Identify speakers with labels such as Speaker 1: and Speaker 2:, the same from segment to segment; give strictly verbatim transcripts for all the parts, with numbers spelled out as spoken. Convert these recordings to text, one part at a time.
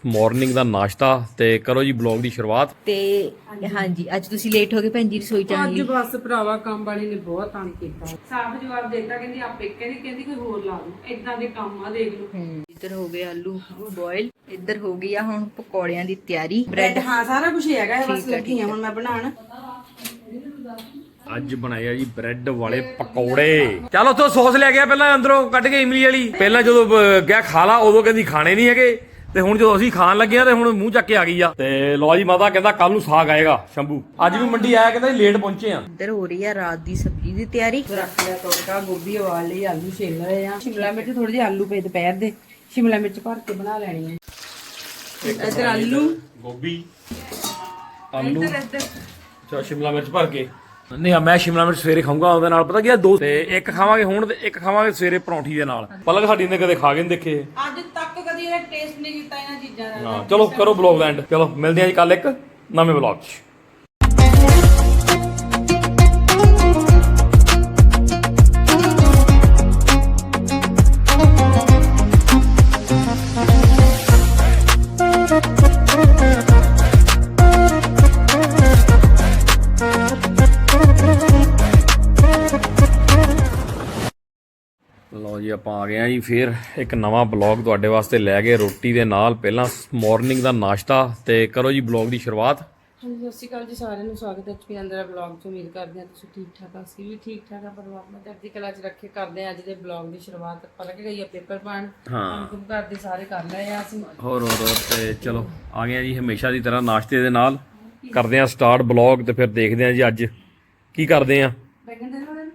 Speaker 1: Morning ਦਾ ਨਾਸ਼ਤਾ ਤੇ ਕਰੋ ਜੀ ਬਲੌਗ ਦੀ ਸ਼ੁਰੂਆਤ।
Speaker 2: ਤੇ ਹਾਂਜੀ ਅੱਜ ਤੁਸੀਂ ਲੇਟ ਹੋ ਗਏ ਭੈਣ ਜੀ ਰਸੋਈ ਚ ਆਉਣ
Speaker 3: ਅੱਜ
Speaker 2: ਲਈ।
Speaker 3: ਬਸ ਭਰਾਵਾ ਕੰਮ ਵਾਲੀ ਨੇ ਬਹੁਤ ਤੰਗ ਕੀਤਾ। ਸਾਫ਼ ਜਵਾਬ ਦੇਤਾ, ਕਹਿੰਦੀ ਆਪੇ ਕਹਿੰਦੀ ਕਹਿੰਦੀ ਕੋਈ ਹੋਰ ਲਾ ਲਓ, ਇਦਾਂ ਦੇ ਕੰਮ ਆ ਦੇਖ ਲਓ।
Speaker 2: ਹੂੰ ਇੱਧਰ ਹੋ ਗਏ ਆਲੂ ਬੋਇਲ, ਇੱਧਰ ਹੋ ਗਈ ਆ ਹੁਣ ਪਕੌੜਿਆਂ ਦੀ ਤਿਆਰੀ।
Speaker 3: ਬ੍ਰੈਡ ਹਾਂ ਸਾਰਾ ਕੁਝ ਹੈਗਾ, ਬਸ ਲੱਗੀ ਆ ਹੁਣ ਮੈਂ ਬਣਾਉਣ।
Speaker 1: ਅੱਜ ਬਣਾਏ ਆ ਜੀ ਬ੍ਰੈਡ ਵਾਲੇ ਪਕੌੜੇ। ਚਲ ਉੱਥੋਂ ਸੌਸ ਲੈ ਗਿਆ ਪਹਿਲਾਂ ਅੰਦਰੋਂ ਕੱਢ ਕੇ ਇਮਲੀ ਵਾਲੀ। ਪਹਿਲਾਂ ਜਦੋਂ ਅਹ, ਗਿਆ ਖਾ ਲਾ ਉਦੋਂ ਕਹਿੰਦੀ ਖਾਣੇ ਨਹੀਂ ਹੈਗੇ, ਤੇ ਹੁਣ ਜਦੋਂ ਅਸੀਂ ਖਾਣ ਲੱਗੇ ਆ ਤੇ ਹੁਣ ਮੂੰਹ ਚੱਕ ਕੇ ਆ ਗਈ ਆ। ਤੇ ਲੋ ਜੀ ਮਾਤਾ ਕਹਿੰਦਾ ਕੱਲ ਨੂੰ ਸਾਗ ਆਏਗਾ ਸ਼ੰਭੂ। ਅੱਜ ਵੀ ਮੰਡੀ ਆਇਆ, ਕਹਿੰਦਾ ਲੇਟ ਪਹੁੰਚੇ ਆ।
Speaker 2: ਇੱਧਰ ਹੋ ਰਹੀ ਆ ਰਾਤ ਦੀ ਸਬਜ਼ੀ ਦੀ ਤਿਆਰੀ।
Speaker 3: ਰੱਖ ਲਿਆ ਤੜਕਾ, ਗੋਭੀ ਉਬਾਲ ਲਈ, ਆਲੂ ਛਿੱਲ ਰਹੇ ਆ, ਸ਼ਿਮਲਾ ਮਿਰਚ ਥੋੜੇ ਜਿਹੇ ਆਲੂ ਪਏ ਦੁਪਹਿਰ ਦੇ, ਸ਼ਿਮਲਾ ਮਿਰਚ ਭਰ ਕੇ ਬਣਾ ਲੈਣੀ ਹੈ। ਇੱਧਰ ਆਲੂ
Speaker 1: ਗੋਭੀ ਆਲੂ
Speaker 3: ਇੱਧਰ ਇੱਧਰ
Speaker 1: ਚਾ ਸ਼ਿਮਲਾ ਮਿਰਚ ਭਰ ਕੇ। ਨਹੀਂ ਆ ਮੈਂ ਸ਼ਿਮਲਾ ਮਿਰਚ ਸਵੇਰੇ ਖਾਊਂਗਾ ਉਹਦੇ ਨਾਲ, ਪਤਾ ਕੀ ਆ, ਦੋ ਤੇ ਇੱਕ ਖਾਵਾਂਗੇ ਹੁਣ ਤੇ ਇੱਕ ਖਾਵਾਂਗੇ ਸਵੇਰੇ ਪਰੌਂਠੀ ਦੇ ਨਾਲ। ਪਲਕ ਸਾਡੀ ਨੇ ਕਦੇ ਖਾ ਕੇ ਨਹੀਂ ਦੇਖੇ।
Speaker 3: ਅੱਜ ਤੱਕ ਕਦੀ ਇਹਦਾ ਟੇਸਟ ਨਹੀਂ ਕੀਤਾ ਇਹਨਾਂ ਚੀਜ਼ਾਂ ਦਾ।
Speaker 1: ਹਾਂ ਚਲੋ ਕਰੋ ਬਲੌਗ ਐਂਡ। ਚਲੋ ਮਿਲਦੇ ਆ ਜੀ ਕੱਲ ਇੱਕ ਨਵੇਂ ਬਲੌਗ 'ਚ। ਲਓ ਜੀ ਆਪਾਂ ਆ ਗਏ ਆ ਜੀ ਫੇਰ ਇੱਕ ਨਵਾਂ ਬਲੌਗ ਤੁਹਾਡੇ ਵਾਸਤੇ ਲੈ ਕੇ, ਰੋਟੀ ਦੇ ਨਾਲ। ਪਹਿਲਾਂ ਮਾਰਨਿੰਗ ਦਾ ਨਾਸ਼ਤਾ ਤੇ ਕਰੋ ਜੀ ਬਲੌਗ ਦੀ ਸ਼ੁਰੂਆਤ।
Speaker 3: ਹਾਂਜੀ ਸਤਿ ਸ਼੍ਰੀ ਅਕਾਲ ਜੀ ਸਾਰਿਆਂ ਨੂੰ, ਸਵਾਗਤ ਹੈ ਐਚਪੀ ਅੰਦਰ ਬਲੌਗ 'ਚ। ਉਮੀਦ ਕਰਦੇ ਹਾਂ ਤੁਸੀਂ ਠੀਕ ਠਾਕ ਆ, ਅਸੀਂ ਵੀ ਠੀਕ ਠਾਕ ਆ। ਪਰਮਾਤਮਾ ਚੜ੍ਹਦੀ ਕਲਾ 'ਚ ਰੱਖੇ। ਕਰਦੇ ਹਾਂ ਅੱਜ ਦੇ ਬਲੌਗ ਦੀ ਸ਼ੁਰੂਆਤ। ਪਲਕ ਗਈ ਆ ਪੇਪਰ ਪਾਣ,
Speaker 1: ਹਾਂ
Speaker 3: ਕੰਮ ਘਰ ਦੇ ਸਾਰੇ ਕਰ ਲਏ ਆ ਅਸੀਂ।
Speaker 1: ਹੋਰ ਹੋਰ ਹੋਰ ਤੇ ਚਲੋ ਆ ਗਏ ਆ ਜੀ ਹਮੇਸ਼ਾ ਦੀ ਤਰ੍ਹਾਂ ਨਾਸ਼ਤੇ ਦੇ ਨਾਲ। ਕਰਦੇ ਆ ਸਟਾਰਟ ਬਲੌਗ ਤੇ ਫਿਰ ਦੇਖਦੇ ਆ ਜੀ ਅੱਜ ਕੀ ਕਰਦੇ ਆ।
Speaker 3: ਬੈਗਨ ਦੇ ਨਾਲ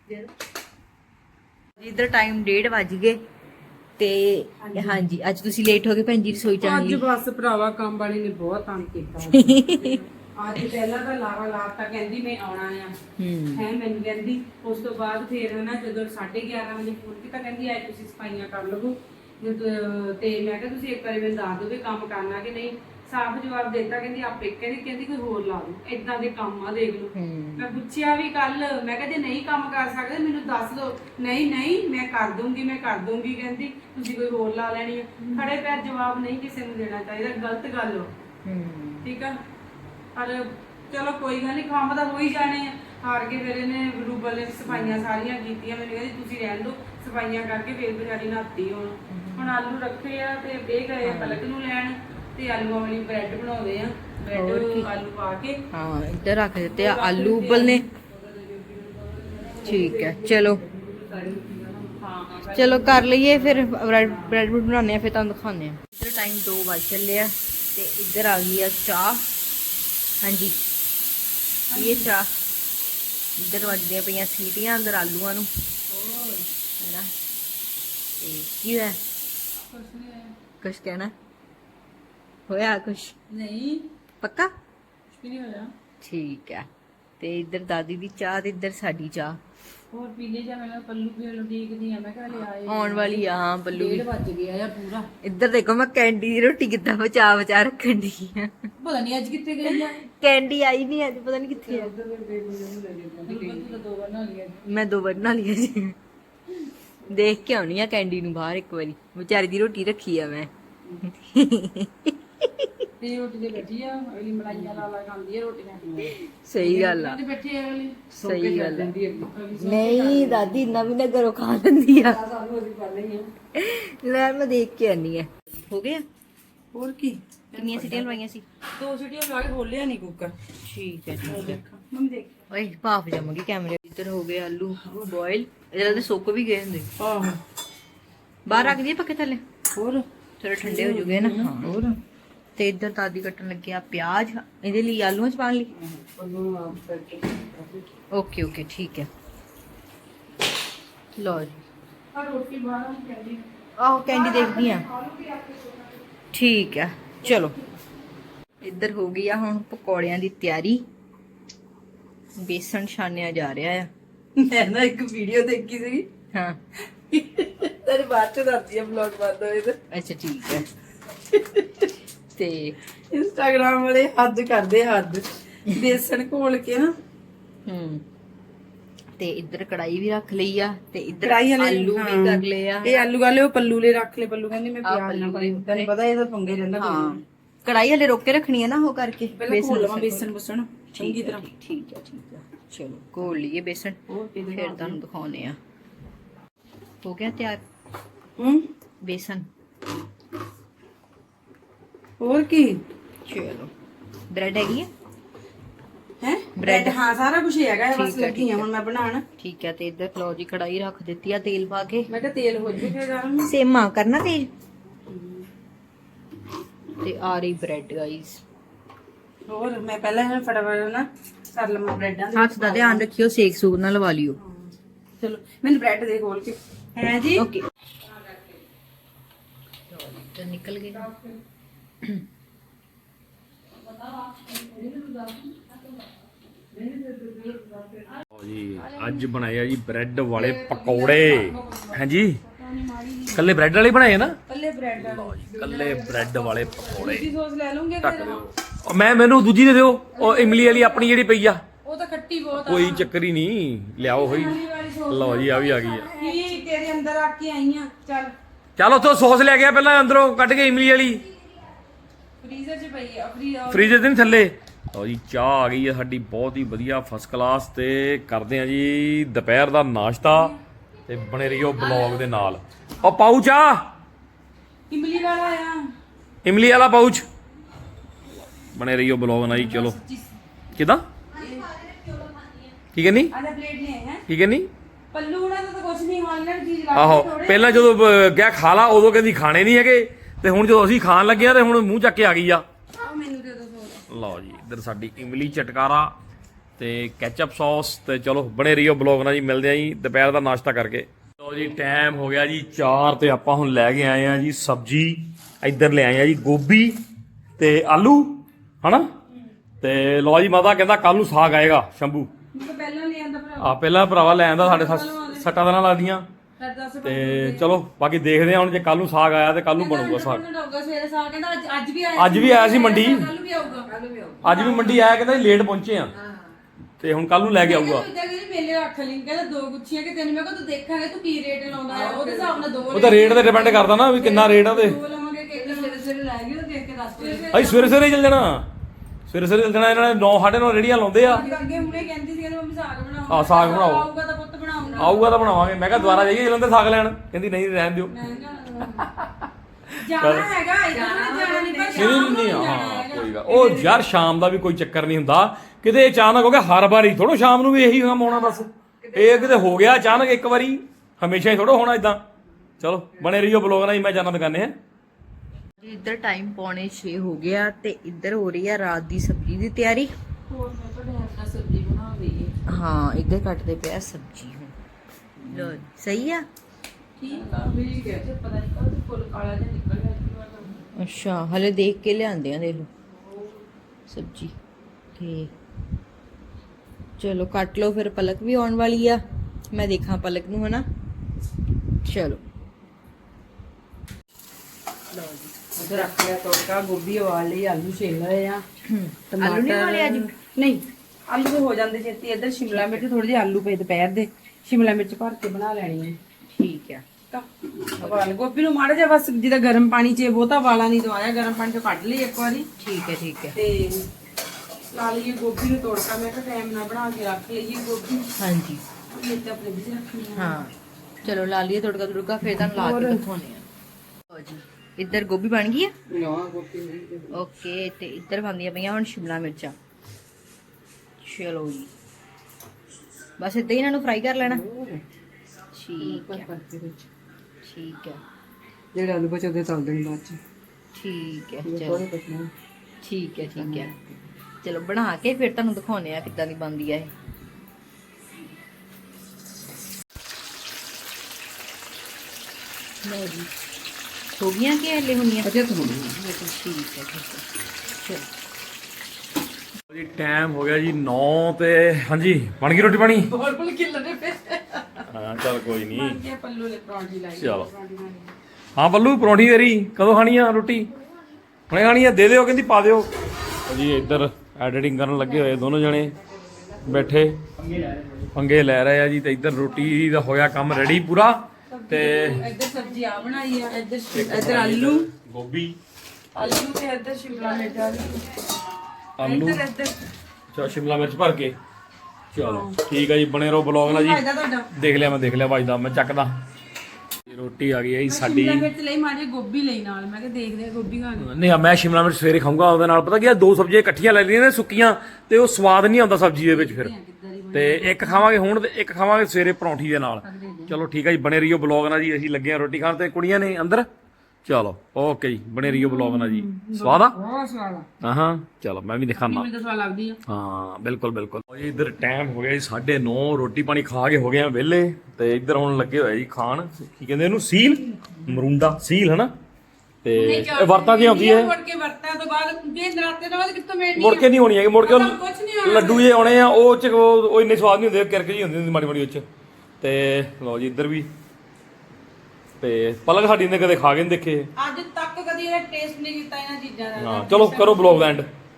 Speaker 2: ਇੱਧਰ ਟਾਈਮ ਡੇਢ ਵੱਜ ਗਏ ਤੇ ਹਾਂਜੀ ਅੱਜ ਤੁਸੀਂ ਲੇਟ ਹੋ ਗਏ ਭੈਣ ਜੀ ਰਸੋਈ ਚ ਆਉਣ
Speaker 3: ਅੱਜ
Speaker 2: ਲਈ।
Speaker 3: ਬਸ ਭਰਾਵਾ ਕੰਮ ਵਾਲੀ ਨੇ ਬਹੁਤ ਤੰਗ ਕੀਤਾ। ਅੱਜ ਪਹਿਲਾਂ ਤਾਂ ਲਾਵਾ ਲਾਤਾ, ਕਹਿੰਦੀ ਮੈਂ ਆਉਣਾ ਆ
Speaker 2: ਹੂੰ
Speaker 3: ਹੈ, ਮੈਨੂੰ ਕਹਿੰਦੀ। ਉਸ ਤੋਂ ਬਾਅਦ ਫਿਰ ਨਾ ਜਦੋਂ ਸਾਢੇ ਗਿਆਰਾਂ ਵਜੇ ਫੋਨ ਕੀਤਾ, ਕਹਿੰਦੀ ਆਏ ਤੁਸੀਂ ਸਫਾਈਆਂ ਕਰ ਲਵੋ। ਜਦੋਂ ਤੇ ਮੈਂ ਕਿਹਾ ਤੁਸੀਂ ਇੱਕ ਵਾਰੀ ਮੈਨੂੰ ਦੱਸ ਦਿਓ ਵੀ ਕੰਮ ਕਰਨਾ ਕਿ ਨਹੀਂ। ਸਾਫ਼ ਜਵਾਬ ਦੇਤਾ, ਕਹਿੰਦੀ ਆਪੇ ਕਹਿੰਦੀ ਕਹਿੰਦੀ ਕੋਈ ਹੋਰ ਲਾ ਲਓ, ਇਦਾਂ ਦੇ ਕੰਮ ਆ ਦੇਖ ਲਓ। ਮੈਂ ਪੁੱਛਿਆ ਵੀ ਕੱਲ, ਮੈਂ ਕਿਹਾ ਜੇ ਨਹੀਂ ਕੰਮ ਕਰ ਸਕਦੇ ਮੈਨੂੰ ਦੱਸ ਦਿਓ। ਨਹੀਂ ਨਹੀਂ ਮੈਂ ਕਰ ਦੂੰਗੀ ਮੈਂ ਕਰ ਦੂੰਗੀ, ਕਹਿੰਦੀ ਤੁਸੀਂ ਕੋਈ ਹੋਰ ਲਾ ਲੈਣੀ ਹੈ। ਖੜੇ ਪੈਰ ਜਵਾਬ ਨਹੀਂ ਕਿਸੇ ਨੂੰ ਦੇਣਾ ਚਾਹੀਦਾ, ਗਲਤ ਗੱਲ ਹੋ। ਠੀਕ ਆ, ਪਰ ਚਲੋ ਕੋਈ ਗੱਲ ਨਹੀਂ, ਕੰਮ ਤਾਂ ਹੋ ਹੀ ਜਾਣੇ ਆ। ਹਾਰ ਕੇ ਫਿਰ ਇਹਨੇ ਰੂਬਲ ਨੇ ਸਫਾਈਆਂ ਸਾਰੀਆਂ ਕੀਤੀਆਂ। ਮੈਨੂੰ ਕਹਿੰਦੀ ਤੁਸੀਂ ਰਹਿਣ ਦਿਓ, ਸਫਾਈਆਂ ਕਰਕੇ ਫਿਰ ਵਿਚਾਰੀ ਨਹਾਤੀ। ਹੁਣ ਹੁਣ ਆਲੂ ਰੱਖੇ ਆ ਤੇ ਇਹ ਗਏ ਪਲਕ ਨੂੰ ਲੈਣ, ਤੇ ਆਲੂਆਂ ਵਾਲੀ ਬ੍ਰੈਡ ਬਣਾਉਂਦੇ ਆ। ਬ੍ਰੈਡ ਆਲੂ ਪਾ ਕੇ
Speaker 2: ਹਾਂ ਇੱਧਰ ਰੱਖ ਦਿੱਤੇ ਆ ਆਲੂ ਉਬਲਨੇ। ਠੀਕ ਹੈ ਚਲੋ ਚਲੋ ਕਰ ਲਈਏ ਫਿਰ ਬ੍ਰੈਡ ਬ੍ਰੈਡ ਬਣਾਉਂਦੇ ਆ, ਫਿਰ ਤੁਹਾਨੂੰ ਦਿਖਾਉਂਦੇ ਆ। ਇੱਧਰ ਟਾਈਮ ਦੋ ਵੱਜ ਚੱਲੇ ਆ ਤੇ ਇੱਧਰ ਆ ਗਈ ਆ ਚਾਹ। ਹਾਂਜੀ ਇਹ ਚਾਹ ਇੱਧਰ ਵੱਜਦੀਆਂ ਪਈਆਂ ਸੀਟੀਆਂ ਅੰਦਰ ਆਲੂਆਂ ਨੂੰ, ਹੈਨਾ। ਤੇ ਕੀ ਹੋਇਆ? ਕੁਛ ਕਹਿਣਾ ਹੋਇਆ? ਕੁਛ
Speaker 3: ਨਹੀਂ
Speaker 2: ਪੱਕਾ?
Speaker 3: ਕੁਛ ਨਹੀਂ ਹੋਇਆ।
Speaker 2: ਠੀਕ ਹੈ। ਤੇ ਇੱਧਰ ਦਾਦੀ ਦੀ ਚਾਹ ਤੇ ਇੱਧਰ ਸਾਡੀ ਚਾਹ
Speaker 3: ਹੋਰ ਪੀ ਲਈ ਜਾ। ਮੈਂ ਪੱਲੂ ਵੀ ਉਡੀਕਦੀ ਆ, ਮੈਂ ਕਿਹਾ ਲੈ ਆਏ
Speaker 2: ਆਉਣ ਵਾਲੀ ਆ। ਹਾਂ ਬੱਲੂ ਵੀ
Speaker 3: ਡੇਢ ਵੱਜ ਗਿਆ ਆ ਪੂਰਾ।
Speaker 2: ਇੱਧਰ ਦੇਖੋ ਮੈਂ ਕੈਂਡੀ ਦੀ ਰੋਟੀ ਕਿੱਦਾਂ ਬਚਾ ਬਚਾ ਰੱਖਣ ਦੀ ਆ।
Speaker 3: ਪਤਾ ਨਹੀਂ ਅੱਜ ਕਿੱਥੇ ਗਈ ਆ।
Speaker 2: ਕੈਂਡੀ ਆਈ ਨਹੀਂ ਅੱਜ, ਪਤਾ ਨਹੀਂ ਕਿੱਥੇ ਆ।
Speaker 3: ਦੋ ਵਾਰ ਨਾਲ ਲਿਆ।
Speaker 2: ਮੈਂ ਦੋ ਵਾਰ ਨਾਲ ਲਿਆ ਜੀ। ਦੇਖ ਕੇ ਆਉਣੀ ਆ ਕੈਂਡੀ ਨੂੰ ਬਾਹਰ ਇੱਕ ਵਾਰੀ। ਵਿਚਾਰੀ ਦੀ ਰੋਟੀ ਰੱਖੀ ਆ ਮੈਂ।
Speaker 3: ਤੇ ਰੋਟੀ ਤੇ ਬੈਠੀ ਆ, ਅਗਲੀ ਮਲਾਈਆਂ ਲਾ ਲਾ ਖਾਂਦੀ ਆ ਰੋਟੀਆਂ।
Speaker 2: ਸਹੀ ਗੱਲ ਆ,
Speaker 3: ਤੇ ਬੈਠੀ ਆ ਅਗਲੀ
Speaker 2: ਸਹੀ ਗੱਲ ਆ। ਨਹੀਂ ਦਾਦੀ ਇੰਨਾ ਵੀ ਨਾ ਘਰੋਂ ਖਾ ਲੈਂਦੀ ਆ।
Speaker 3: ਸਾਨੂੰ ਅਸੀਂ ਕਰ ਲਈ ਆ।
Speaker 2: ਲੈ ਮੈਂ ਦੇਖ ਕੇ ਆਨੀ ਆ। ਹੋ ਗਿਆ?
Speaker 3: ਹੋਰ ਕੀ,
Speaker 2: ਕਿੰਨੀਆਂ ਸੀਟੀਆਂ ਲਵਾਈਆਂ ਸੀ?
Speaker 3: ਦੋ ਸੀਟੀਆਂ ਲਾ ਕੇ ਖੋਲਿਆ ਨਹੀਂ ਕੁੱਕਰ।
Speaker 2: ਠੀਕ ਹੈ ਠੀਕ ਹੈ।
Speaker 3: ਦੇਖਾਂ ਮੰਮੀ ਦੇਖ।
Speaker 2: ਓਏ ਭਾਫ ਜੰਮ ਗਈ ਕੈਮਰੇ। ਇੱਧਰ ਹੋ ਗਏ ਆਲੂ ਬੋਇਲ। ਇਹਦੇ ਤੇ ਸੁੱਕ ਵੀ ਗਏ ਹੁੰਦੇ।
Speaker 3: ਆਹੋ
Speaker 2: ਬਾਹਰ ਰੱਖ ਦਈਏ ਪੱਕੇ ਥੱਲੇ,
Speaker 3: ਹੋਰ
Speaker 2: ਥੋੜੇ ਠੰਡੇ ਹੋ ਜੂਗੇ ਨਾ। ਹਾਂ
Speaker 3: ਹੋਰ
Speaker 2: ਤੇ ਇੱਧਰ ਦਾਦੀ ਕੱਟਣ ਲੱਗੇ ਆ ਪਿਆਜ਼। ਇਹਦੇ ਲਈ ਆਲੂਆਂ ਚ ਪਾਣ ਲਈ। ਓਕੇ ਓਕੇ ਠੀਕ ਹੈ। ਲਓ ਜੀ
Speaker 3: ਆ ਰੋਟੀ ਬਾਹਰ ਕਹਿੰਦੀ
Speaker 2: ਆਹੋ ਕੈਂਡੀ ਦੇਖਦੀ ਆ। ਠੀਕ ਹੈ ਚਲੋ। ਇੱਧਰ ਹੋ ਗਈ ਆ ਹੁਣ ਪਕੌੜਿਆਂ ਦੀ ਤਿਆਰੀ। ਬੇਸਣ ਛਾਣਿਆ ਜਾ ਰਿਹਾ ਆ।
Speaker 3: ਮੈਂ ਨਾ ਇੱਕ ਵੀਡੀਓ ਦੇਖੀ ਸੀ।
Speaker 2: ਹਾਂ
Speaker 3: ਤੇਰੇ ਬਾਅਦ ਚ ਦੱਸਦੀ ਆ ਵਲੌਗ ਬੰਦ ਹੋਏ ਤੇ।
Speaker 2: ਅੱਛਾ ਠੀਕ ਹੈ। ਤੇ
Speaker 3: ਇੰਸਟਾਗ੍ਰਾਮ ਵਾਲੇ ਹੱਦ ਕਰਦੇ ਹੱਦ। ਬੇਸਣ ਘੋਲ ਕੇ ਨਾ
Speaker 2: ਹੂੰ ਤੇ ਇੱਧਰ ਕੜਾਈ ਵੀ ਰੱਖ ਲਈ ਆ ਤੇ ਇੱਧਰ
Speaker 3: ਕੜਾਈ ਹਲੇ
Speaker 2: ਆਲੂ ਵੀ ਕਰ ਲਏ ਆ।
Speaker 3: ਇਹ ਆਲੂ ਗਾਲੇ ਉਹ ਪੱਲੂ ਲਈ ਰੱਖ ਲਏ। ਪੱਲੂ ਕਹਿੰਦੀ ਮੈਂ
Speaker 2: ਆਹ
Speaker 3: ਪਿਆਜ਼ ਨਾ
Speaker 2: ਪੱਲੂ
Speaker 3: ਪਾਈ, ਤੈਨੂੰ ਪਤਾ ਇਹ ਤਾਂ ਪੰਗੇ ਰਹਿੰਦਾ ਕੋਈ
Speaker 2: ਹਾਂ ਕੜਾਈ ਹਲੇ ਰੋਕ ਕੇ ਰੱਖਣੀ ਹੈ ਨਾ ਉਹ ਕਰਕੇ।
Speaker 3: ਪਹਿਲਾਂ ਘੋਲ ਲਵਾਂ ਬੇਸਨ ਬੁਸਣ ਚੰਗੀ ਤਰ੍ਹਾਂ।
Speaker 2: ਠੀਕ ਹੈ ਠੀਕ ਹੈ ਚਲੋ ਘੋਲ ਲਈਏ ਬੇਸਨ ਫਿਰ ਤੁਹਾਨੂੰ ਦਿਖਾਉਨੇ ਆ। ਹੋ ਗਿਆ ਤਿਆਰ
Speaker 3: ਹੂੰ
Speaker 2: ਬੇਸਨ।
Speaker 3: ਹੋਰ ਕੀ
Speaker 2: ਚਲੋ ਬ੍ਰੈਡ ਹੈਗੀ ਹੈ
Speaker 3: ਹੈ ਬ੍ਰੈਡ ਹਾਂ ਸਾਰਾ ਕੁਝ ਹੈਗਾ ਹੈ, ਬਸ
Speaker 2: ਠੀਕ ਹੈ,
Speaker 3: ਲੱਗੀ ਆ ਹੁਣ ਮੈਂ ਬਣਾਉਣ।
Speaker 2: ਠੀਕ ਹੈ ਤੇ ਇੱਧਰ ਲਓ ਜੀ ਕੜਾਈ ਰੱਖ ਦਿੱਤੀ ਆ ਤੇਲ ਪਾ ਕੇ।
Speaker 3: ਮੈਂ ਕਿਹਾ ਤੇਲ ਹੋ ਜੂ ਫਿਰ ਗਰਮ।
Speaker 2: ਸੇਮਾ ਕਰਨਾ ਤੇਜ਼ ਤੇ ਆ ਰਹੀ ਬ੍ਰੈਡ ਗਾਈਸ।
Speaker 3: ਹੋਰ ਮੈਂ ਪਹਿਲਾਂ ਇਹਨਾਂ ਫਟਾਫਟ ਨਾ ਕਰ ਲਵਾਂ ਬ੍ਰੈਡਾਂ ਦੇ।
Speaker 2: ਹੱਥ ਦਾ ਧਿਆਨ ਰੱਖਿਓ ਸੇਕ ਸੂਕ ਨਾ ਲਵਾ ਲਿਓ।
Speaker 3: ਚਲੋ ਮੈਨੂੰ ਬ੍ਰੈਡ ਦੇ ਖੋਲ ਕੇ ਹੈ ਜੀ।
Speaker 2: ਓਕੇ ਤਾਂ ਨਿਕਲ ਗਏ।
Speaker 1: ਲਓ ਜੀ ਅੱਜ ਬਣਾਏ ਆ ਜੀ ਬ੍ਰੈਡ ਵਾਲੇ ਪਕੌੜੇ। ਹਾਂਜੀ ਕੱਲੇ ਬ੍ਰੈਡ ਵਾਲੇ ਬਣਾਏ ਆ ਨਾ।
Speaker 3: ਕੱਲੇ ਬ੍ਰੈਡ ਵਾਲੇ
Speaker 1: ਕੱਲੇ ਬ੍ਰੈਡ ਵਾਲੇ ਪਕੌੜੇ।
Speaker 3: ਦੀ ਸੌਸ ਲੈ ਲਵਾਂਗੇ
Speaker 1: ਟੱਕ
Speaker 3: ਫਿਰ।
Speaker 1: ਦਿਓ। ਉਹ ਮੈਂ ਮੈਨੂੰ ਦੂਜੀ ਦੇ ਦਿਓ, ਉਹ ਇਮਲੀ ਵਾਲੀ ਆਪਣੀ ਜਿਹੜੀ ਪਈ ਆ।
Speaker 3: ਉਹ ਤਾਂ ਖੱਟੀ ਬਹੁਤ ਆ।
Speaker 1: ਕੋਈ ਚੱਕਰ ਹੀ ਨਹੀਂ, ਲਿਆਓ ਹੋਈ। ਲਓ ਜੀ ਆ ਵੀ ਆ ਗਈ ਆ।
Speaker 3: ਕੀ ਤੇਰੇ ਅੰਦਰ ਆ ਕੇ ਆਈਆਂ। ਚੱਲ
Speaker 1: ਚੱਲ ਉੱਥੋਂ ਸੌਸ ਲੈ ਗਿਆ ਪਹਿਲਾਂ ਅੰਦਰੋਂ ਕੱਢ ਕੇ ਇਮਲੀ ਵਾਲੀ।
Speaker 3: ਫ੍ਰੀਜ਼ਰ 'ਚ ਪਈ ਆ। ਫ੍ਰੀ
Speaker 1: ਫ੍ਰੀਜ਼ਰ ਦੇ ਨਹੀਂ ਥੱਲੇ। ਲਓ ਜੀ ਚਾਹ ਆ ਗਈ ਹੈ ਸਾਡੀ ਬਹੁਤ ਹੀ ਵਧੀਆ ਫਸਟ ਕਲਾਸ। ਤੇ ਕਰਦੇ ਆ ਜੀ ਦੁਪਹਿਰ ਦਾ ਨਾਸ਼ਤਾ ਤੇ ਬਣੇ ਰਹੀਓ ਬਲੌਗ ਦੇ ਨਾਲ। ਉਹ ਪਾਊਚ ਆ
Speaker 3: ਇਮਲੀ ਵਾਲਾ ਆ।
Speaker 1: ਇਮਲੀ ਵਾਲਾ ਪਾਊਚ ਬਣੇ ਰਹੀਓ ਬਲੌਗ ਨਾਲ ਜੀ। ਚਲੋ ਕਿਦਾਂ ਕੀ ਕਹਿੰਨੀ
Speaker 3: ਆਲਾ ਪਲੇਟ ਨਹੀਂ ਹੈ
Speaker 1: ਕੀ ਕਹਿੰਨੀ
Speaker 3: ਪੱਲੂ ਉਹਨਾਂ ਦਾ ਤਾਂ ਕੁਝ ਨਹੀਂ ਹਾਲਣ ਚੀਜ਼ ਲਾ
Speaker 1: ਆਹੋ ਪਹਿਲਾਂ ਜਦੋਂ ਬ- ਗਿਆ ਖਾ ਲਾ ਉਦੋਂ ਕਹਿੰਦੀ ਖਾਣੇ ਨਹੀਂ ਹੈਗੇ ਤੇ ਹੁਣ ਜਦੋਂ ਅਸੀਂ ਖਾਣ ਲੱਗੇ ਆ ਤੇ ਹੁਣ ਮੂੰਹ ਚੱਕ ਕੇ ਆ ਗਈ ਆ।
Speaker 3: ਆ ਮੈਨੂੰ ਦੇ ਦੋ ਸੌ।
Speaker 1: ਲਓ ਜੀ ਇੱਧਰ ਸਾਡੀ ਇਮਲੀ ਚਟਕਾਰਾ ਤੇ ਕੈਚਅਪ ਸੌਸ। ਤੇ ਚਲੋ ਬਣੇ ਰਹੀਓ ਬਲੌਗ ਨਾਲ ਜੀ। ਮਿਲਦੇ ਆ ਜੀ ਦੁਪਹਿਰ ਦਾ ਨਾਸ਼ਤਾ ਕਰਕੇ। ਲਓ ਜੀ ਟਾਈਮ ਹੋ ਗਿਆ ਜੀ ਚਾਰ ਤੇ ਆਪਾਂ ਹੁਣ ਲੈ ਕੇ ਆਏ ਆ ਜੀ ਸਬਜ਼ੀ। ਇੱਧਰ ਲੈ ਆਏ ਆ ਜੀ ਗੋਭੀ ਤੇ ਆਲੂ ਹਨਾ। ਤੇ ਲਓ ਜੀ ਮਾਤਾ ਕਹਿੰਦਾ ਕੱਲ ਨੂੰ ਸਾਗ ਆਏਗਾ ਸ਼ੰਭੂ।
Speaker 3: ਮੈਂ ਤਾਂ ਪਹਿਲਾਂ ਲੈ ਆਂਦਾ ਭਰਾ।
Speaker 1: ਆ ਪਹਿਲਾਂ ਭਰਾਵਾ ਲੈ ਆਂਦਾ ਸਾਡੇ ਸੱਟ- ਸੱਟਾਂ ਦਾ ਨਾਲ ਲੱਗਦੀਆਂ।
Speaker 3: ਫਿਰ ਦੱਸ
Speaker 1: ਤੇ ਚਲੋ ਬਾਕੀ ਦੇਖਦੇ ਆ ਹੁਣ ਜੇ ਕੱਲ ਨੂੰ ਸਾਗ ਆਇਆ ਤੇ ਕੱਲ ਨੂੰ ਬਣੂਗਾ ਸਾਗ।
Speaker 3: ਬਣਾਉਗਾ ਸਵੇਰੇ ਸਾਗ ਕਹਿੰਦਾ ਅੱਜ ਅੱਜ ਵੀ ਆਇਆ।
Speaker 1: ਅੱਜ ਵੀ ਆਇਆ ਸੀ ਮੰਡੀ।
Speaker 3: ਕੱਲ ਵੀ ਆਊਗਾ। ਕੱਲ ਵੀ ਆਊਗਾ।
Speaker 1: ਅੱਜ ਵੀ ਮੰਡੀ ਆਇਆ ਕਹਿੰਦਾ ਲੇਟ ਪਹੁੰਚੇ ਆ ਤੇ ਹੁਣ ਕੱਲ ਨੂੰ ਲੈ ਕੇ ਆਊਗਾ।
Speaker 3: ਇਦਾਂ ਕਿ ਮੇਲੇ ਰੱਖ ਲਈ ਕਹਿੰਦਾ ਦੋ ਗੁੱਛੀਆਂ ਕਿ ਤਿੰਨ। ਮੈਂ ਕਿਹਾ ਤੂੰ ਦੇਖਾਂਗੇ ਤੂੰ ਕੀ ਰੇਟ ਲਾਉਂਦਾ ਹੈ ਉਹਦੇ ਹਿਸਾਬ ਨਾਲ ਦੋ
Speaker 1: ਉਹ ਤਾਂ ਰੇਟ ਤੇ ਡਿਪੈਂਡ ਕਰਦਾ ਨਾ ਵੀ ਕਿੰਨਾ ਰੇਟ ਆ ਤੇ।
Speaker 3: ਦੋ ਲਵਾਂਗੇ ਕਿ ਇੱਕ ਸਵੇਰੇ ਸਵੇਰੇ ਲੈ ਗਏ ਤਾਂ ਦੇਖ ਕੇ ਦੱਸ ਦੇ।
Speaker 1: ਅਸੀਂ ਸਵੇਰੇ ਸਵੇਰੇ ਹੀ ਚੱਲ ਜਾਣਾ। ਸਵੇਰੇ ਸਵੇਰੇ ਚੱਲ ਜਾਣਾ। ਇਹਨਾਂ ਨੇ ਨੌ ਸਾਢੇ ਨੌ ਰੇੜੀਆਂ ਲਾਉਂਦੇ ਆ।
Speaker 3: ਅੱਗੇ ਹੁਣੇ ਕਹਿੰਦੀ ਸੀ ਕਹਿੰਦੀ ਮੰਮੀ ਸਾਗ ਬਣਾਓ।
Speaker 1: ਆ ਸਾਗ ਬਣਾਓ।
Speaker 3: ਆਊਗਾ ਤਾਂ ਪੁੱਤ ਬਣਾਉਣਾ।
Speaker 1: ਆਊਗਾ ਤਾਂ ਬਣਾਵਾਂਗੇ। ਮੈਂ ਕਿਹਾ ਦੁਬਾਰਾ ਜਾਈਏ ਜਲੰਧਰ ਸਾਗ ਲੈਣ। ਕਹਿੰਦੀ ਨਹੀਂ ਰਹਿਣ ਦਿਓ।
Speaker 3: ਜਾਣਾ ਹੈਗਾ ਜਾਣਾ ਨਹੀਂ ਪਰ
Speaker 1: ਨਹੀਂ ਨਹੀਂ ਹਾਂ ਕੋਈ ਗੱਲ। ਉਹ ਯਾਰ ਸ਼ਾਮ ਦਾ ਵੀ ਕੋਈ ਚੱਕਰ ਨਹੀਂ ਹੁੰਦਾ। ਕਿਤੇ ਅਚਾਨਕ ਹੋ ਗਿਆ ਹਰ ਵਾਰੀ ਥੋੜੋ ਸ਼ਾਮ ਨੂੰ ਵੀ ਇਹੀ ਕੰਮ ਹੋਣਾ ਬਸ। ਇਹ ਕਿਤੇ ਹੋ ਗਿਆ ਅਚਾਨਕ ਇੱਕ ਵਾਰੀ ਹਮੇਸ਼ਾ ਹੀ ਥੋੜੋ ਹੋਣਾ ਇਦਾਂ। ਚਲੋ ਬਣੇ ਰਹੀਓ ਬਲੌਗ ਨਾਲ। ਮੈਂ ਜਾਣਾ ਦੁਕਾਨੇ ਹੈ।
Speaker 2: ਇੱਧਰ ਟਾਈਮ ਪੌਣੇ ਛੇ ਹੋ ਗਿਆ ਤੇ ਇੱਧਰ ਹੋ ਰਹੀ ਆ ਰਾਤ ਦੀ ਸਬਜ਼ੀ ਦੀ ਤਿਆਰੀ।
Speaker 3: ਹੋਰ ਮੈਂ ਤੁਹਾਡੇ ਹੱਥ ਨਾਲ ਸਬਜ਼ੀ ਬਣਾ ਦਈਏ।
Speaker 2: ਹਾਂ ਇੱਧਰ ਕੱਟਦੇ ਪਿਆ ਸਬਜ਼ੀ ਹੁਣ। ਲੋ ਸਹੀ ਆ।
Speaker 3: ਠੀਕ ਆ ਵੀ ਗਿਆ ਤੇ ਪਤਾ ਨਹੀਂ ਕਦੋਂ ਫੁੱਲ ਕਾਲਾ ਜਿਹਾ ਨਿਕਲ ਗਿਆ ਇਸ ਵਾਰ।
Speaker 2: ਅੱਛਾ ਹਲੇ ਦੇਖ ਕੇ ਲਿਆਂਦੇ ਆ ਦੇਖ ਲਓ ਸਬਜ਼ੀ ਤੇ ਚਲੋ ਕੱਟ ਲਓ ਫਿਰ। ਪਲਕ ਵੀ ਆਉਣ ਵਾਲੀ ਆ। ਮੈਂ ਦੇਖਾਂ ਪਲਕ ਨੂੰ ਹਨਾ। ਚਲੋ ਲਓ ਜੀ
Speaker 3: ਉਧਰ ਰੱਖ ਲਿਆ ਤੜਕਾ। ਗੋਭੀ ਉਬਾਲ ਲਈ। ਆਲੂ ਛਿੱਲ ਲਏ ਆ।
Speaker 2: ਆਲੂ ਨਹੀਂ ਵਾਲੇ ਅੱਜ।
Speaker 3: ਨਹੀਂ ਆਲੂ ਤਾਂ ਹੋ ਜਾਂਦੇ ਛੇਤੀ। ਇੱਧਰ ਸ਼ਿਮਲਾ ਮਿਰਚ ਥੋੜੇ ਜਿਹੇ ਆਲੂ ਪਏ ਦੁਪਹਿਰ ਦੇ। ਸ਼ਿਮਲਾ ਮਿਰਚ ਭਰ ਕੇ ਬਣਾ ਲੈਣੀ ਹੈ।
Speaker 2: ਠੀਕ ਆ।
Speaker 3: ਤਾਂ ਉਬਾਲ ਗੋਭੀ ਨੂੰ ਮਾੜਾ ਜਿਹਾ ਬਸ ਜਿਹਦਾ ਗਰਮ ਪਾਣੀ 'ਚ ਬਹੁਤਾ ਵਾਲਾ ਨਹੀਂ ਦਵਾਇਆ। ਗਰਮ ਪਾਣੀ 'ਚੋਂ ਕੱਢ ਲਈ ਇੱਕ ਵਾਰੀ
Speaker 2: ਠੀਕ ਹੈ ਠੀਕ ਹੈ।
Speaker 3: ਤੇ ਲਾ ਲਈਏ ਗੋਭੀ ਨੂੰ ਤੜਕਾ। ਮੈਂ ਕਿਹਾ ਟਾਈਮ ਨਾਲ ਬਣਾ ਕੇ ਰੱਖ ਲਈਏ ਗੋਭੀ।
Speaker 2: ਹਾਂਜੀ
Speaker 3: ਇਹ ਤਾਂ ਆਪਣੇ ਵਿੱਚ ਰੱਖਣੀ ਆ।
Speaker 2: ਹਾਂ ਚਲੋ ਲਾ ਲਈਏ ਤੜਕਾ ਤੜਕਾ ਫਿਰ ਤੁਹਾਨੂੰ ਲਾ ਕੇ ਦਿਖਾਉਣੇ ਆ। ਲਓ ਜੀ ਇੱਧਰ ਗੋਭੀ ਬਣ ਗਈ ਆ।
Speaker 3: ਨਾ ਗੋਭੀ ਨਹੀਂ।
Speaker 2: ਓਕੇ ਤੇ ਇੱਧਰ ਬਣਦੀਆਂ ਪਈਆਂ ਹੁਣ ਸ਼ਿਮਲਾ ਮਿਰਚਾਂ। ਚਲੋ ਜੀ ਬਸ ਇੱਦਾਂ ਹੀ ਇਹਨਾਂ ਨੂੰ ਫਰਾਈ ਕਰ ਲੈਣਾ। ਠੀਕ ਹੈ ਠੀਕ ਹੈ
Speaker 3: ਜਿਹੜੇ ਆਲੂ ਬਚੇ ਉਹਦੇ ਤਲ ਦੇਣ ਬਾਅਦ 'ਚ।
Speaker 2: ਠੀਕ ਹੈ ਚਲੋ ਠੀਕ ਹੈ ਠੀਕ ਹੈ। ਚਲੋ ਬਣਾ ਕੇ ਫਿਰ ਤੁਹਾਨੂੰ ਦਿਖਾਉਣੇ ਆ ਕਿੱਦਾਂ ਦੀ ਬਣਦੀ ਆ ਇਹ। ਲਓ ਜੀ ਹੋ ਗਈਆਂ ਕਿ ਹਲੇ ਹੋਣੀਆਂ?
Speaker 3: ਅਜੇ ਤਾਂ ਹੋਣੀ
Speaker 2: ਠੀਕ ਹੈ ਠੀਕ ਹੈ ਚਲੋ
Speaker 1: ਜੀ ਟਾਈਮ ਹੋ ਗਿਆ ਜੀ ਨੌ ਤੇ ਹਾਂਜੀ ਬਣ ਗਈ ਰੋਟੀ ਪਾਣੀ।
Speaker 3: ਹੋਰ ਬਲ ਖਿਲਰੇ ਪਏ।
Speaker 1: ਹਾਂ ਚੱਲ ਕੋਈ ਨਹੀਂ।
Speaker 3: ਇਹ ਪੱਲੂ ਨੇ ਪਰੌਂਠੀ ਲਾਈ।
Speaker 1: ਚਲੋ ਹਾਂ ਬੱਲੂ ਪਰੌਂਠੀ ਤੇਰੀ ਕਦੋਂ ਖਾਣੀ ਆ ਰੋਟੀ? ਹੁਣੇ ਖਾਣੀ ਆ ਦੇ ਦਿਓ ਕਹਿੰਦੀ ਪਾ ਦਿਓ। ਜੀ ਇੱਧਰ ਐਡੀਟਿੰਗ ਕਰਨ ਲੱਗੇ ਹੋਏ ਦੋਨੋਂ ਜਣੇ। ਬੈਠੇ ਪੰਗੇ ਲੈ ਰਹੇ ਆ ਜੀ। ਤੇ ਇੱਧਰ ਰੋਟੀ ਦਾ ਹੋਇਆ ਕੰਮ ਰੈਡੀ ਪੂਰਾ। ਤੇ
Speaker 3: ਇੱਧਰ ਸਬਜ਼ੀ ਆ ਬਣਾਈ ਆ, ਇੱਧਰ ਇੱਧਰ ਆਲੂ
Speaker 1: ਗੋਭੀ
Speaker 3: ਆਲੂ ਤੇ ਇੱਧਰ ਸ਼ਿਮਲਾ ਮਿਰਚ ਆਲੂ
Speaker 1: ਆਲੂ
Speaker 3: ਇੱਧਰ ਇੱਧਰ
Speaker 1: ਅੱਛਾ ਸ਼ਿਮਲਾ ਮਿਰਚ ਭਰ ਕੇ। ਚਲੋ ਠੀਕ ਆ ਜੀ, ਬਣੇ ਰਹੋ ਬਲੌਗ ਨਾਲ ਜੀ।
Speaker 3: ਫਾਇਦਾ ਤੁਹਾਡਾ
Speaker 1: ਦੇਖ ਲਿਆ ਮੈਂ ਦੇਖ ਲਿਆ ਭਾਈ ਦਾ, ਮੈਂ ਚੱਕਦਾ। ਰੋਟੀ ਆ ਗਈ ਹੈ ਜੀ ਸਾਡੀ।
Speaker 3: ਸ਼ਿਮਲਾ ਮਿਰਚ ਲਈ ਮਾੜੀ ਗੋਭੀ ਲਈ ਨਾਲ, ਮੈਂ ਕਿਹਾ ਦੇਖਦੇ ਆ ਗੋਭੀ ਖਾਣੀ।
Speaker 1: ਨਹੀਂ ਮੈਂ ਸ਼ਿਮਲਾ ਮਿਰਚ ਸਵੇਰੇ ਖਾਊਂਗਾ ਉਹਦੇ ਨਾਲ। ਪਤਾ ਕੀ ਆ, ਦੋ ਸਬਜ਼ੀਆਂ ਇਕੱਠੀਆਂ ਲੈ ਲਈਆਂ ਨੇ ਸੁੱਕੀਆਂ, ਤੇ ਉਹ ਸਵਾਦ ਨਹੀਂ ਆਉਂਦਾ ਸਬਜ਼ੀ ਦੇ ਵਿੱਚ ਫਿਰ। ਤੇ ਇੱਕ ਖਾਵਾਂਗੇ ਹੁਣ ਤੇ ਇੱਕ ਖਾਵਾਂਗੇ ਸਵੇਰੇ ਪਰੌਂਠੀ ਦੇ ਨਾਲ। ਚਲੋ ਠੀਕ ਆ ਜੀ, ਬਣੇ ਰਹੀਓ ਬਲੌਗ ਨਾਲ ਜੀ। ਅਸੀਂ ਲੱਗੇ ਆ ਰੋਟੀ ਖਾਣ ਤੇ ਕੁੜੀਆਂ ਨੇ ਅੰਦਰ। ਚਲੋ ਓਕੇ ਜੀ, ਬਣੇ ਰਹੀਓ ਬਲੌਗ ਨਾਲ ਜੀ। ਸਵਾਦ ਆ
Speaker 3: ਬਹੁਤ ਸਵਾਦ ਆ।
Speaker 1: ਹਾਂ ਹਾਂ ਚਲੋ ਮੈਂ ਵੀ ਦਿਖਾਣਾ।
Speaker 3: ਮੈਨੂੰ ਤਾਂ ਸਵਾਦ ਲੱਗਦੀ ਆ।
Speaker 1: ਹਾਂ ਬਿਲਕੁਲ ਬਿਲਕੁਲ ਜੀ। ਇੱਧਰ ਟਾਈਮ ਹੋ ਗਿਆ ਜੀ ਸਾਢੇ ਨੌ, ਰੋਟੀ ਪਾਣੀ ਖਾ ਕੇ ਹੋ ਗਏ ਆ ਵਿਹਲੇ। ਤੇ ਇੱਧਰ ਹੁਣ ਲੱਗੇ ਹੋਏ ਜੀ ਖਾਣ, ਕੀ ਕਹਿੰਦੇ ਇਹਨੂੰ, ਸੀਲ ਮਰੂੰਡਾ ਸੀਲ ਹਨਾ। ਤੇ ਇਹ ਵਰਤਾਂ ਦੀ ਆਉਂਦੀ ਹੈ।
Speaker 3: ਮੁੜ ਕੇ ਵਰਤਾਂ ਤੋਂ ਬਾਅਦ ਜੇ ਨਰਾਤੇ ਤੋਂ ਬਾਅਦ ਕਿੱਥੋਂ ਮਿਲਣੀ
Speaker 1: ਮੁੜ ਕੇ ਨਹੀਂ ਹੋਣੀ ਹੈਗੀ, ਮੁੜ ਕੇ ਉਹ
Speaker 3: ਕੁਛ ਨਹੀਂ ਹੋਣਾ।
Speaker 1: ਲੱਡੂ ਜੇ ਆਉਣੇ ਆ ਉਹ ਚ ਉਹ ਉਹ ਇੰਨੇ ਸਵਾਦ ਨਹੀਂ ਹੁੰਦੇ, ਕਿਰਕ ਜੀ ਹੁੰਦੀ ਹੁੰਦੀ ਮਾੜੀ ਮਾੜੀ ਉਹ ਚ। ਤੇ ਲਓ ਜੀ ਇੱਧਰ ਵੀ। ਤੇ ਪਲਕ ਸਾਡੀ ਨੇ ਕਦੇ ਖਾ ਕੇ ਨਹੀਂ ਦੇਖੇ
Speaker 3: ਅੱਜ ਤੱਕ ਕਦੀ ਇਹਦਾ ਟੇਸਟ ਨਹੀਂ ਕੀਤਾ ਇਹਨਾਂ ਚੀਜ਼ਾਂ ਦਾ।
Speaker 1: ਹਾਂ ਚਲੋ ਕਰੋ ਬਲੌਗ ਦਾ ਐਂਡ।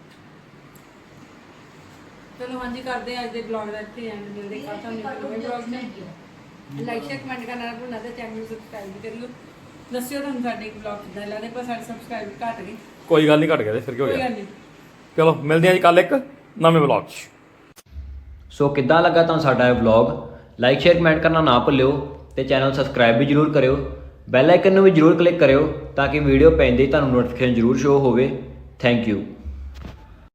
Speaker 3: ਚਲੋ ਹਾਂਜੀ ਕਰਦੇ ਆ ਅੱਜ ਦੇ ਬਲੌਗ ਦਾ ਇੱਥੇ ਐਂਡ। ਮਿਲਦੇ ਕੱਲ ਤੁਹਾਨੂੰ ਨਵੇਂ ਬਲੌਗ ਨਾਲ। ਲਾਈਕ ਸ਼ੇਅਰ ਕਮੈਂਟ ਕਰਨਾ ਨਾ ਭੁੱਲਣਾ ਤੇ ਚੈਨਲ ਨੂੰ ਸਬਸਕ੍ਰਾਈਬ ਵੀ ਕਰਿਓ। ਦੱਸਿਓ ਤੁਹਾਨੂੰ ਸਾਡੇ ਬਲੌਗ ਕਿੱਦਾਂ ਲੱਗਦੇ, ਪਰ ਸਾਡੇ ਸਬਸਕ੍ਰਾਈਬ ਘਟ ਗਏ।
Speaker 1: ਕੋਈ ਗੱਲ ਨਹੀਂ, ਘਟ ਗਿਆ ਤੇ ਫਿਰ ਕੀ ਹੋ
Speaker 3: ਕੋਈ
Speaker 1: ਗਿਆ।
Speaker 3: ਗੱਲ ਨਹੀਂ।
Speaker 1: ਚਲੋ ਮਿਲਦੇ ਹਾਂ ਜੀ ਕੱਲ ਇੱਕ ਨਵੇਂ ਬਲੌਗ 'ਚ।
Speaker 4: ਸੋ ਕਿੱਦਾਂ ਲੱਗਾ ਤੁਹਾਨੂੰ ਸਾਡਾ ਇਹ ਵਲੌਗ? ਲਾਈਕ ਸ਼ੇਅਰ ਕਮੈਂਟ ਕਰਨਾ ਨਾ ਭੁੱਲਿਓ ਤੇ ਚੈਨਲ ਸਬਸਕ੍ਰਾਈਬ ਵੀ ਜਰੂਰ ਕਰਿਓ। ਬੈਲ ਆਈਕਨ ਨੂੰ ਵੀ ਜਰੂਰ ਕਲਿੱਕ ਕਰਿਓ ਤਾਂ ਕਿ ਵੀਡੀਓ ਪੈਂਦੇ ਹੀ ਤੁਹਾਨੂੰ ਨੋਟੀਫਿਕੇਸ਼ਨ ਜਰੂਰ ਸ਼ੋ ਹੋਵੇ। Thank you.